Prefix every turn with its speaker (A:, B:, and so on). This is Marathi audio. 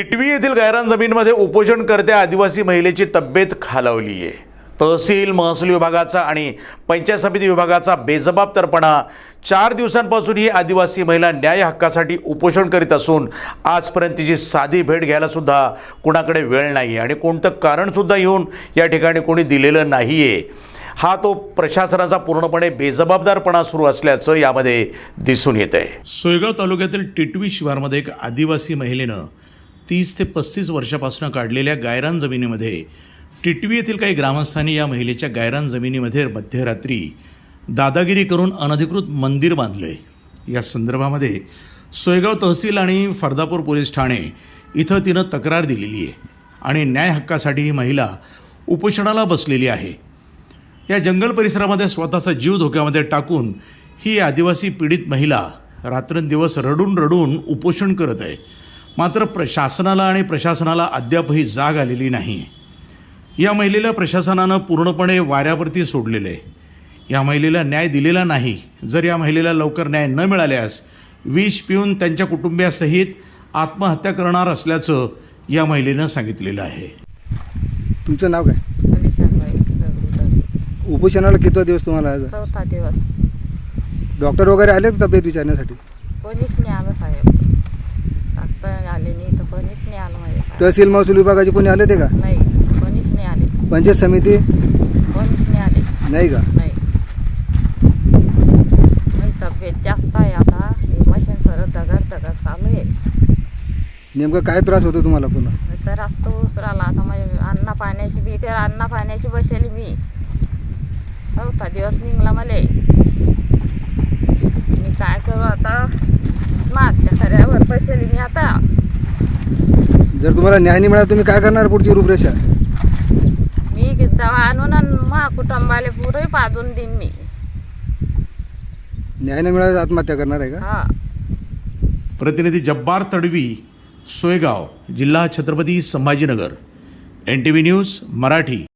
A: टिटवी येथील गायरान जमीनमध्ये उपोषणकर्त्या आदिवासी महिलेची तब्येत खालावली आहे। तहसील महसूल विभागाचा आणि पंचायत समिती विभागाचा बेजबाबदारपणा 4 दिवसांपासून ही आदिवासी महिला न्याय हक्कासाठी उपोषण करीत असून आजपर्यंत तिची साधी भेट घ्यायला सुद्धा कुणाकडे वेळ नाही आणि कोणतं कारण सुद्धा येऊन या ठिकाणी कोणी दिलेलं नाहीये। हा तो प्रशासनाचा पूर्णपणे बेजबाबदारपणा सुरू असल्याचं यामध्ये दिसून येत आहे। सोयगाव तालुक्यातील टिटवी शिवारमध्ये एक आदिवासी महिलेनं 30 ते 35 वर्षापासून काढलेल्या गायरान जमिनीमध्ये टिटवी येथील काही ग्रामस्थांनी या महिलेच्या गायरान जमिनीमध्ये मध्यरात्री दादागिरी करून अनधिकृत मंदिर बांधले। या संदर्भामध्ये सोयगाव तहसील आणि फर्दापूर पोलीस ठाणे इथं तिनं तक्रार दिलेली आहे आणि न्याय हक्कासाठी ही महिला उपोषणाला बसलेली आहे। या जंगल परिसरामध्ये स्वतःचा जीव धोक्यामध्ये टाकून ही आदिवासी पीडित महिला रात्रंदिवस रडून रडून उपोषण करत आहे। मात्र प्रशासनाला अद्यापही जाग आलेली नाही। या महिलेला प्रशासनानं पूर्णपणे वाऱ्यावरती सोडलेलं आहे। या महिलेला न्याय दिलेला नाही। जर या महिलेला लवकर न्याय न मिळाल्यास विष पिऊन त्यांच्या कुटुंबियासहित आत्महत्या करणार असल्याचं या महिलेनं सांगितलेलं आहे।
B: तुमचं नाव काय?
C: अलिशाबाई
B: उपोषणाला किती दिवस तुम्हाला आज?
C: 4था दिवस।
B: डॉक्टर वगैरे आले का तब्येत विचारण्यासाठी?
C: कोणीच नाही आलं साहेब, डॉक्टर आले नाही तर कोणीच नाही आलं माझ्या।
B: तहसील महसूल विभागाचे कोणी आले ते का?
C: नाही, कोणीच नाही आले।
B: पंचायत समिती
C: कोणीच नाही आले।
B: नाही का?
C: नाही, माझी तब्येत जास्त आहे आता, मशीन सरळ दगड चालू आहे।
B: नेमकं काय त्रास होतो तुम्हाला पुन्हा?
C: तर असतो उसराला आता माझ्या अन्न पाण्याची बी तर अन्न पाण्याची बसेली मी 4था दिवस निघला मला। मी काय करू आता, आत्महत्या खऱ्यावर बसेली मी आता।
B: जर तुम्हाला न्याय नाही मिळाला तुम्ही काय करणार पुढची रूपरेषा?
C: मी दवा आणून मा कुटुंबाला पुरे पाजून देईन मी।
B: न्याय नाही मिळाला आत्महत्या करणार आहे का?
C: हा।
A: प्रतिनिधी जब्बार तडवी, सोयगाव, जिल्हा छत्रपती संभाजीनगर, NTV न्यूज मराठी।